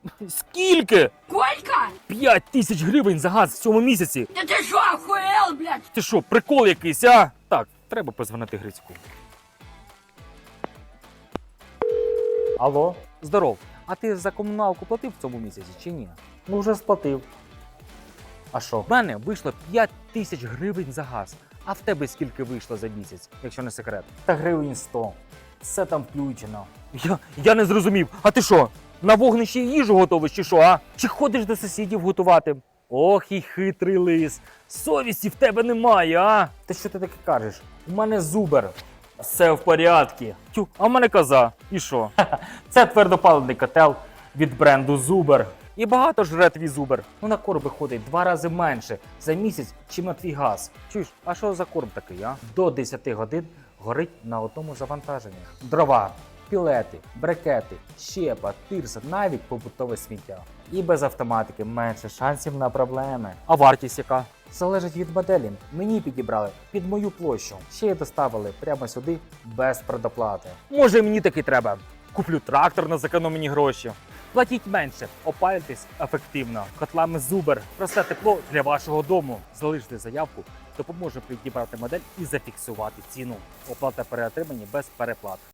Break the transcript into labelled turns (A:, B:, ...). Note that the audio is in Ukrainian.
A: Скільки?
B: Сколько?
A: 5 тисяч гривень за газ в цьому місяці.
B: Да ты что, охуел, блядь?
A: Ти що, прикол якийсь, а? Так, треба позвонити Грицьку.
C: Алло,
A: Здоров. А ти за комуналку платив в цьому місяці чи ні?
C: ну вже сплатив. А що?
A: В мене вийшло 5 тисяч гривень за газ. А в тебе скільки вийшло за місяць, якщо не секрет?
C: Та гривень 100. Все там включено.
A: Я не зрозумів. А ти що, на вогнищі їжу готовиш чи що, а? Чи ходиш до сусідів готувати? Ох і хитрий лис. Совісті в тебе немає, а?
C: Та що ти таке кажеш? У мене зубер.
A: Все в порядку. Тю, а в мене коза. І що?
C: Це твердопаливний котел від бренду Зубер.
A: І багато жре твій зубер.
C: Ну на корм виходить 2 рази менше за місяць, чим на твій газ.
A: Чуєш, а що за корм такий, а?
C: До 10 годин горить на одному завантаженні. Дрова, пілети, брикети, щепа, тирса, навіть побутове сміття. І без автоматики менше шансів на проблеми.
A: А вартість яка?
C: Залежить від моделі. Мені підібрали під мою площу. Ще й доставили прямо сюди без предоплати.
A: Може, мені таки треба. Куплю трактор на зекономлені гроші. Платіть менше, опалюйтесь ефективно. Котлами Зубер. Просте тепло для вашого дому. Залиште заявку, допоможе підібрати модель і зафіксувати ціну. Оплата при отриманні без переплат.